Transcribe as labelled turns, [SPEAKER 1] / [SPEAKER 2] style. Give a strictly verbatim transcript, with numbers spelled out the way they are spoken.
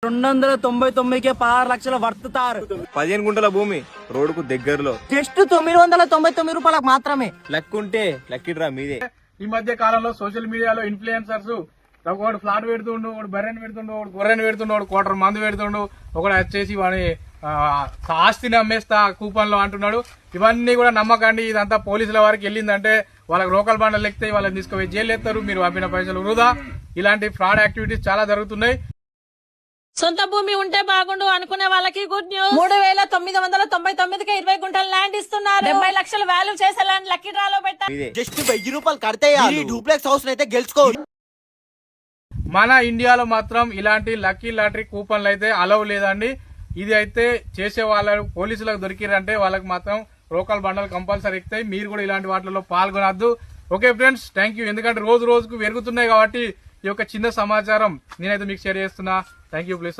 [SPEAKER 1] రెండు వందల తొంభై తొమ్మిదికే పదహారు లక్షల వర్తుతారు.
[SPEAKER 2] పదిహేను గుంటల భూమి రోడ్డుకు దగ్గరలో
[SPEAKER 1] జస్ట్ తొమ్మిది వందల తొంభై తొమ్మిది రూపాయలకు మాత్రమే.
[SPEAKER 2] లక్కుంటే లక్కిడ్రా మీదే.
[SPEAKER 3] ఈ మధ్య కాలంలో సోషల్ మీడియాలో ఇన్ఫ్లుయెన్సర్స్ ఒకడు ఫ్లాట్ పెడుతుండు, ఒకడు బర్రెని పెడుతుండు, ఒకడు గొర్రెని పెడుతుండు, ఒకడు కోటర్ మందు పెడుతుండు, ఒకడు వచ్చేసి వాడి ఆస్తిని అమ్మేస్తా కూపన్ లో అంటున్నాడు. ఇవన్నీ కూడా నమ్మకండి. ఇదంతా పోలీసుల వారికి వెళ్ళిందంటే వాళ్ళకి లోకల్ బండలు ఎక్కితే వాళ్ళని తీసుకుపోయి జైలు ఎత్తారు. మీరు పంపిన పైసలు వృధా. ఇలాంటి ఫ్రాడ్ యాక్టివిటీస్ చాలా జరుగుతున్నాయి.
[SPEAKER 4] సొంత భూమి ఉంటే బాగుండు అనుకునే వాళ్ళకి గుడ్ న్యూస్. మూడు వేల తొమ్మిది వందల తొంభై తొమ్మిదికి ఇరవై గుంటల ల్యాండ్ ఇస్తున్నారు. డెబ్బై లక్షల వాల్యూ చేసే ల్యాండ్ లక్కీ డ్రాలో పెట్టారు.
[SPEAKER 1] జస్ట్ వెయ్యి రూపాయలు కడితే డూప్లెక్స్ హౌస్ అయితే గెలుచుకో.
[SPEAKER 3] మన ఇండియాలో మాత్రం ఇలాంటి లక్కీ లాటరీ కూపన్లు అయితే అలవ్ లేదండి. ఇది అయితే చేసే వాళ్ళు పోలీసులకు దొరికిరంటే వాళ్ళకి మాత్రం లోకల్ బండలు కంపల్సరీ ఎక్కుతాయి. మీరు కూడా ఇలాంటి వాటిలో పాల్గొనద్దు. Okay friends, thank you. ఎందుకంటే రోజు రోజుకు పెరుగుతున్నాయి కాబట్టి ఈ యొక్క చిన్న సమాచారం నేనైతే మీకు షేర్ చేస్తున్నా. Thank you. ప్లీజ్